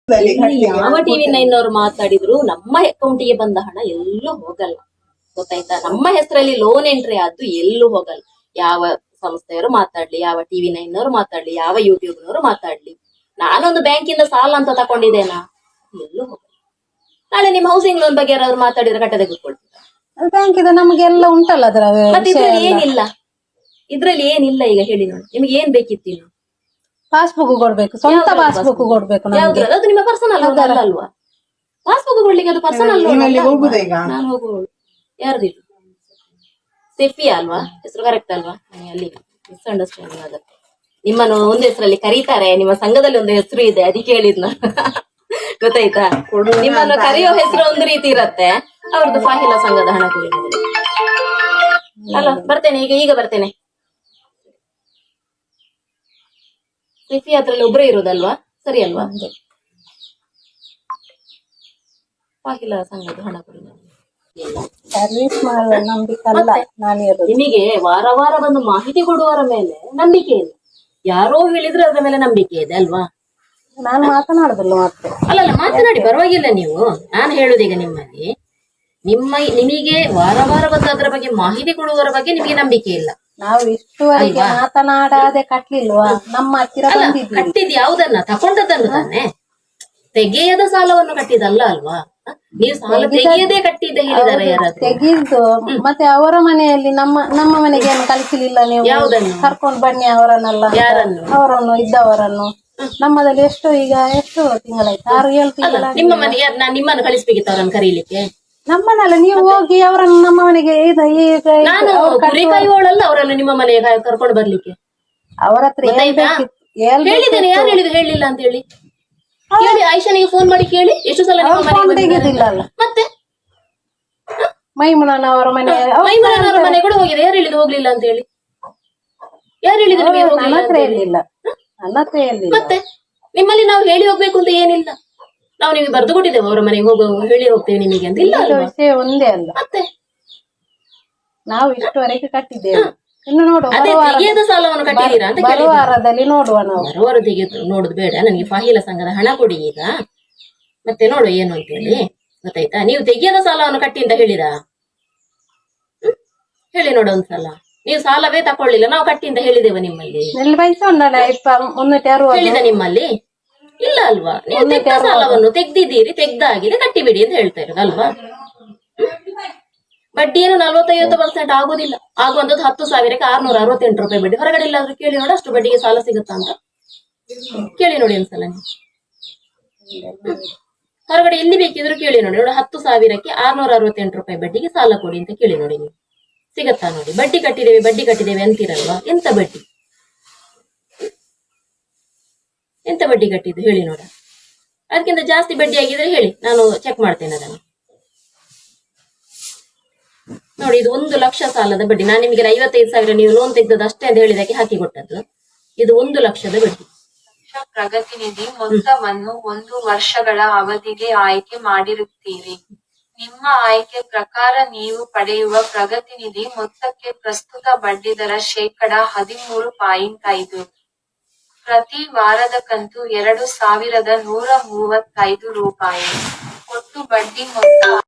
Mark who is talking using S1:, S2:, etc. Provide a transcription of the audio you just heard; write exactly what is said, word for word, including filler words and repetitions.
S1: ಇಲ್ಲಿ ಯಾವ TV nine ಅವರು ಮಾತಾಡಿದ್ರು ನಮ್ಮ ಅಕೌಂಟಿಗೆ ಬಂದ ಹಣ ಎಲ್ಲೂ ಹೋಗಲ್ಲ, ಗೊತ್ತಾಯ್ತಾ? ನಮ್ಮ ಹೆಸರಲ್ಲಿ ಲೋನ್ ಎಂಟ್ರಿ ಆದ್ದು ಎಲ್ಲೂ ಹೋಗಲ್ಲ. ಯಾವ ಸಂಸ್ಥೆಯವರು ಮಾತಾಡ್ಲಿ, ಯಾವ ಟಿವಿ ನೈನ್ ಅವರು ಮಾತಾಡ್ಲಿ, ಯಾವ ಯೂಟ್ಯೂಬ್ ನವರು ಮಾತಾಡ್ಲಿ, ನಾನೊಂದು ಬ್ಯಾಂಕಿಂದ ಸಾಲ ಅಂತ ತಕೊಂಡಿದ್ದೇನಾ, ಎಲ್ಲೂ ಹೋಗಲ್ಲ. ನಾಳೆ ನಿಮ್ ಹೌಸಿಂಗ್ ಲೋನ್ ಬಗ್ಗೆ ಯಾರಾದ್ರು ಮಾತಾಡಿದ್ರೆ ಕಟ್ಟ ತೆಗೆದುಕೊಳ್ತೀರಾ?
S2: ಬ್ಯಾಂಕ್ ಇದೆ, ನಮ್ಗೆಲ್ಲ ಉಂಟಲ್ಲ ಅದರ.
S1: ಮತ್ತೆ ಇದ್ರಲ್ಲಿ ಏನಿಲ್ಲ, ಇದ್ರಲ್ಲಿ ಏನಿಲ್ಲ. ಈಗ ಹೇಳಿ ನೋಡಿ, ನಿಮ್ಗೆ ಏನ್ ಬೇಕಿತ್ತು? ಇನ್ನು
S2: ಪಾಸ್ಬುಕ್ ಕೊಡ್ಬೇಕು, ಸ್ವಂತ ಪಾಸ್ಬುಕ್ ಕೊಡ್ಬೇಕು.
S1: ಯಾವ್ದು? ಅದು ನಿಮ್ಮ ಪರ್ಸನಲ್ ಅಲ್ವಾ? ಪಾಸ್ಬುಕ್ ಕೊಡ್ಲಿಕ್ಕೆ ಅದು ಪರ್ಸನಲ್ ನಾನು ಹೋಗುವಳು. ಯಾರ್ದು? ಸೆಫಿಯಾ ಅಲ್ವಾ ಹೆಸರು? ಕರೆಕ್ಟ್ ಅಲ್ವಾ? ಅಲ್ಲಿ ಮಿಸ್ಅಂಡರ್ಸ್ಟ್ಯಾಂಡಿಂಗ್ ಆಗುತ್ತೆ. ನಿಮ್ಮನ್ನು ಒಂದು ಹೆಸರಲ್ಲಿ ಕರೀತಾರೆ, ನಿಮ್ಮ ಸಂಘದಲ್ಲಿ ಒಂದು ಹೆಸರು ಇದೆ, ಅದಕ್ಕೆ ಹೇಳಿದ್ನ. ಗೊತ್ತಾಯ್ತಾ? ನಿಮ್ಮನ್ನು ಕರೆಯೋ ಹೆಸರು ಒಂದು ರೀತಿ ಇರತ್ತೆ, ಅವ್ರದ್ದು ಫಾಹಿಲ ಸಂಘದ ಹಣ ಕೊಡುವುದು ಅಲ್ಲ. ಬರ್ತೇನೆ ಈಗ, ಈಗ ಬರ್ತೇನೆ. ಸಿಫಿ ಅದ್ರಲ್ಲಿ ಒಬ್ಬರೇ ಇರೋದಲ್ವಾ? ಸರಿ ಅಲ್ವಾ? ಫಾಹಿಲ ಸಂಘದ ಹಣ ಕೊಡುವುದು
S2: ಸರ್ವಿಸ್ ಮಾಡುವ ನಂಬಿಕೆ ಅಲ್ಲ.
S1: ನಿಮಗೆ ವಾರ ವಾರ ಬಂದು ಮಾಹಿತಿ ಕೊಡುವವರ ಮೇಲೆ ನಂಬಿಕೆ ಇಲ್ಲ, ಯಾರೋ ಹೇಳಿದ್ರೆ ಅದ್ರ ಮೇಲೆ ನಂಬಿಕೆ ಇದೆ ಅಲ್ವಾ?
S2: ನಾನು ಮಾತನಾಡುದಿಲ್ಲ ಮತ್ತೆ.
S1: ಅಲ್ಲಲ್ಲ, ಮಾತನಾಡಿ, ಪರವಾಗಿಲ್ಲ. ನೀವು, ನಾನು ಹೇಳುದೀಗ ನಿಮ್ಮಲ್ಲಿ, ನಿಮ್ಮ ನಿಮಗೆ ವಾರ ವಾರ ಬಂದು ಅದ್ರ ಬಗ್ಗೆ ಮಾಹಿತಿ ಕೊಡುವವರ ಬಗ್ಗೆ ನಿಮಗೆ ನಂಬಿಕೆ ಇಲ್ಲ.
S2: ನಾವು ಇಷ್ಟುವರೆಗೆ ಮಾತನಾಡದೆ ಕಟ್ಲಿಲ್ವಾ? ನಮ್ಮ ಹತ್ತಿರ
S1: ಕಟ್ಟಿದ್ ಯಾವುದನ್ನ? ತಕೊಂಡದನ್ನು ತಾನೆ, ತೆಗೆಯದ ಸಾಲವನ್ನು ಕಟ್ಟಿದಲ್ಲ ಅಲ್ವಾ? ನೀವು ಸಾಲ ತೆಗೆಯದೇ ಕಟ್ಟಿದ್ದ ಹೇಳಿದಾರೆ ಯಾರಾದ್ರೂ?
S2: ತೆಗೆದು ಮತ್ತೆ ಅವರ ಮನೆಯಲ್ಲಿ ನಮ್ಮ ನಮ್ಮ ಮನೆಗೆ ಏನು ಕಳಿಸಲಿಲ್ಲ ನೀವು?
S1: ಯಾವುದನ್ನು
S2: ಕರ್ಕೊಂಡು ಬನ್ನಿ ಅವರನ್ನೆಲ್ಲ.
S1: ಯಾರನ್ನು?
S2: ಅವರನ್ನು ಇದ್ದವರನ್ನು. ನಮ್ಮದಲ್ಲಿ ಎಷ್ಟು ಈಗ ಎಷ್ಟು ತಿಂಗಳಾಯ್ತು? ಆರು ಏಳು ತಿಂಗಳ.
S1: ನಿಮ್ಮ ಮನೆ ನಾನ್ ನಿಮ್ಮನ್ನು ಕಳಿಸ್ಬೇಕಿತ್ತು ಅವರನ್ನು ಕರೀಲಿಕ್ಕೆ?
S2: ನಮ್ಮನೆಲ್ಲ ನೀವು ಹೋಗಿ ಅವರನ್ನು ನಮ್ಮ ಮನೆಗೆ
S1: ನಾನು ಕುರಿ ಕಾಯುವವಳಲ್ಲ ಅವರನ್ನು ನಿಮ್ಮ ಮನೆಗೆ ಕರ್ಕೊಂಡು ಬರ್ಲಿಕ್ಕೆ.
S2: ಅವರ ಹತ್ರ
S1: ಹೇಳಿದ್ದೇನೆ, ಯಾರು ಹೇಳಿದ್ರು ಹೇಳಿಲ್ಲ ಅಂತ ಹೇಳಿ? ಕೇಳಿ, ಆಯಿಷಾನಿಗೆ ಫೋನ್ ಮಾಡಿ ಕೇಳಿ, ಎಷ್ಟು ಸಲ ನಿಮ್ಮ ಮನೆಗೆ. ಮತ್ತೆ
S2: ಮೈಮುನವರ ಮನೆ,
S1: ಮೈಮುನವರ ಮನೆ ಕೂಡ ಹೋಗಿದೆ. ಯಾರು ಹೇಳಿದ್ರು ಹೋಗ್ಲಿಲ್ಲ ಅಂತ ಹೇಳಿ? ಯಾರು ಹೇಳಿದ್ರು?
S2: ನನ್ನ ಹತ್ರ ಹೇಳಿಲ್ಲ, ನನ್ನ ಹತ್ರ ಹೇಳಿಲ್ಲ.
S1: ಮತ್ತೆ ನಿಮ್ಮಲ್ಲಿ ನಾವು ಹೇಳಿ ಹೋಗ್ಬೇಕು ಅಂತ ಏನಿಲ್ಲ. ನಾವು ನಿಮಗೆ ಬರ್ದು ಕೊಟ್ಟಿದ್ದೇವೆ ಅವರ ಮನೆಗೆ ಹೋಗೋ ಹೇಳಿ ಹೋಗ್ತೇವೆ ನಿಮಗೆ ಅಂತ. ಇಲ್ಲ,
S2: ವಿಷಯ ಒಂದೇ ಅಲ್ಲ.
S1: ಮತ್ತೆ
S2: ನಾವು ಇಷ್ಟುವರೆಗೆ ಕಟ್ಟಿದ್ದೇವೆ. ಇನ್ನು ನೋಡುವ,
S1: ತೆಗೆಯದ ಸಾಲವನ್ನು ಕಟ್ಟಿದ್ದೀರಾ ಅಂತ
S2: ವಾರದಲ್ಲಿ ನೋಡುವ. ನಾವು
S1: ಬರುವಾರ ತೆಗೆದು ನೋಡುದು ಬೇಡ, ನನಗೆ ಫಾಹಿಲ ಸಂಘದ ಹಣ ಕೊಡಿ ಈಗ, ಮತ್ತೆ ನೋಡು ಏನು ಅಂತ ಹೇಳಿ. ಗೊತ್ತಾಯ್ತಾ? ನೀವು ತೆಗೆಯದ ಸಾಲವನ್ನು ಕಟ್ಟಿ ಅಂತ ಹೇಳಿದ ಹೇಳಿ ನೋಡು ಒಂದ್ಸಲ. ನೀವು ಸಾಲವೇ ತಕೊಳ್ಳಿಲ್ಲ, ನಾವು ಕಟ್ಟಿ ಅಂತ ಹೇಳಿದೇವ ನಿಮ್ಮಲ್ಲಿ? ಹೇಳಿದ ನಿಮ್ಮಲ್ಲಿ? ಇಲ್ಲ ಅಲ್ವಾ? ನೀವು ತೆಗ್ದ ಸಾಲವನ್ನು ತೆಗ್ದಿದ್ದೀರಿ, ತೆಗ್ದಾಗಿದೆ, ಕಟ್ಟಿಬಿಡಿ ಅಂತ ಹೇಳ್ತಾ ಇರೋದು ಅಲ್ವಾ? ಬಡ್ಡಿ ಏನು ನಲ್ವತ್ತೈವತ್ತು ಪರ್ಸೆಂಟ್ ಆಗುದಿಲ್ಲ, ಆಗುವಂತದ್ದು ಹತ್ತು ಸಾವಿರಕ್ಕೆ ಆರ್ನೂರ ಅರವತ್ತೆಂಟು ರೂಪಾಯಿ ಬಡ್ಡಿ. ಹೊರಗಡೆ ಇಲ್ಲಾದ್ರೂ ಕೇಳಿ ನೋಡಿ, ಅಷ್ಟು ಬಡ್ಡಿಗೆ ಸಾಲ ಸಿಗುತ್ತಾ ಅಂತ ಕೇಳಿ ನೋಡಿ ಒಂದ್ಸಲ. ಹೊರಗಡೆ ಎಲ್ಲಿ ಬೇಕಿದ್ರು ಕೇಳಿ ನೋಡಿ. ನೋಡಿ, ಹತ್ತು ಸಾವಿರಕ್ಕೆ ಆರ್ನೂರ ಅರವತ್ತೆಂಟು ರೂಪಾಯಿ ಬಡ್ಡಿಗೆ ಸಾಲ ಕೊಡಿ ಅಂತ ಕೇಳಿ ನೋಡಿ, ನೀವು ಸಿಗತ್ತಾ ನೋಡಿ. ಬಡ್ಡಿ ಕಟ್ಟಿದ್ದೇವೆ ಬಡ್ಡಿ ಕಟ್ಟಿದ್ದೇವೆ ಅಂತೀರಲ್ವಾ? ಎಂತ ಬಡ್ಡಿ, ಎಂತ ಬಡ್ಡಿ ಕಟ್ಟಿದ್ದು ಹೇಳಿ ನೋಡ. ಅದಕ್ಕಿಂತ ಜಾಸ್ತಿ ಬಡ್ಡಿ ಆಗಿದ್ರೆ ಹೇಳಿ, ನಾನು ಚೆಕ್ ಮಾಡ್ತೇನೆ ಅದನ್ನು. ನೋಡಿ, ಇದು ಒಂದು ಲಕ್ಷ ಸಾಲದ ಬಡ್ಡಿ. ನಾನು ನಿಮಗೆ ಐವತ್ತೈದು ಸಾವಿರ ನೀವು ಲೋನ್ ತೆಗೆದದ್ದು ಅಷ್ಟೇ ಅಂತ ಹೇಳಿದಕ್ಕೆ ಹಾಕಿ ಕೊಟ್ಟದ್ದು. ಇದು ಒಂದು ಲಕ್ಷದ ಬಡ್ಡಿ.
S3: ಪ್ರಗತಿನಿಧಿ ಮೊತ್ತವನ್ನು ಒಂದು ವರ್ಷಗಳ ಅವಧಿಗೆ ಆಯ್ಕೆ ಮಾಡಿರುತ್ತೀರಿ. ನಿಮ್ಮ ಆಯ್ಕೆ ಪ್ರಕಾರ ನೀವು ಪಡೆಯುವ ಪ್ರಗತಿನಿಧಿ ಮೊತ್ತಕ್ಕೆ ಪ್ರಸ್ತುತ ಬಡ್ಡಿದರ ಶೇಕಡ ಹದಿಮೂರು ಪಾಯಿಂಟ್ ಐದು. ಪ್ರತಿ ವಾರದ ಕಂತು ಎರಡು ಸಾವಿರದ ನೂರ ಮೂವತ್ತೈದು ರೂಪಾಯಿ. ಒಟ್ಟು ಬಡ್ಡಿ ಮೊತ್ತ